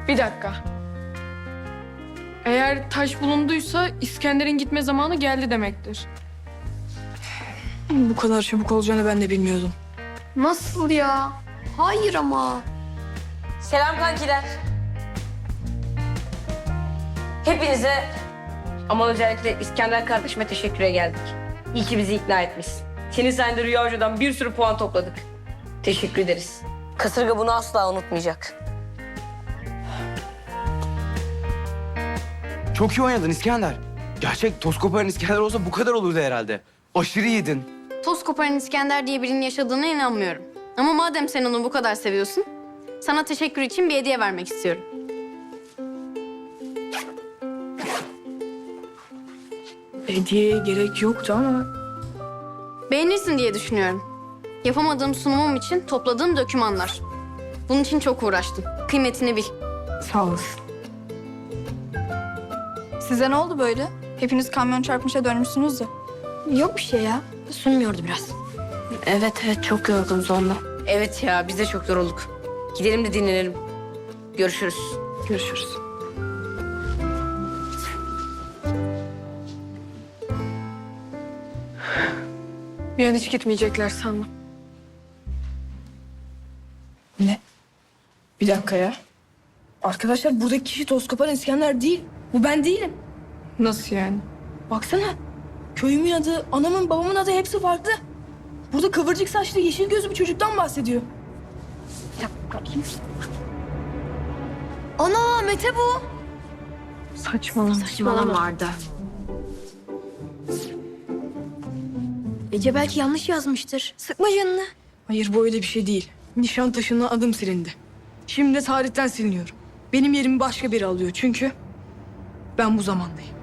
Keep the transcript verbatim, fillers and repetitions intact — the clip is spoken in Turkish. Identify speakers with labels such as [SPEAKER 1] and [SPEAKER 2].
[SPEAKER 1] Bir dakika. Eğer taş bulunduysa İskender'in gitme zamanı geldi demektir.
[SPEAKER 2] Bu kadar çabuk olacağını ben de bilmiyordum.
[SPEAKER 3] Nasıl ya? Hayır ama.
[SPEAKER 4] Selam kankiler. Hepinize ama özellikle İskender kardeşime teşekküre geldik. İyi ki bizi ikna etmişsin. Senin sayende Rüya Hoca'dan bir sürü puan topladık. Teşekkür ederiz. Kasırga bunu asla unutmayacak.
[SPEAKER 5] Çok iyi oynadın İskender. Gerçek toz koparan İskender olsa bu kadar olurdu herhalde. Aşırı iyiydin.
[SPEAKER 3] Toz koparan İskender diye birinin yaşadığına inanmıyorum. Ama madem sen onu bu kadar seviyorsun, sana teşekkür için bir hediye vermek istiyorum.
[SPEAKER 2] Hediyeye gerek yoktu ama...
[SPEAKER 3] Beğenirsin diye düşünüyorum. Yapamadığım sunumum için topladığım dokümanlar. Bunun için çok uğraştım. Kıymetini bil.
[SPEAKER 2] Sağ olasın.
[SPEAKER 6] Size ne oldu böyle? Hepiniz kamyon çarpmışa dönmüşsünüz de.
[SPEAKER 3] Yok bir şey ya. Sunmuyordu biraz. Evet evet çok yorgunuz ondan.
[SPEAKER 4] Evet ya biz de çok yorulduk. Gidelim de dinlenelim. Görüşürüz.
[SPEAKER 2] Görüşürüz.
[SPEAKER 1] Bir an hiç gitmeyecekler sandım.
[SPEAKER 2] Ne? Bir dakika ya. Arkadaşlar buradaki kişi toz koparan İskender değil. Bu ben değilim.
[SPEAKER 1] Nasıl yani?
[SPEAKER 2] Baksana. Köyümün adı, anamın, babamın adı hepsi farklı. Burada kıvırcık saçlı, yeşil gözlü bir çocuktan bahsediyor.
[SPEAKER 3] Ana Mete bu.
[SPEAKER 1] Saçmalama.
[SPEAKER 3] Saçmalama Arda. Ece belki yanlış yazmıştır. Sıkma canını.
[SPEAKER 2] Hayır bu öyle bir şey değil. Nişantaşı'na adım silindi. Şimdi de tarihten siliniyorum. Benim yerimi başka biri alıyor çünkü ben bu zamandayım.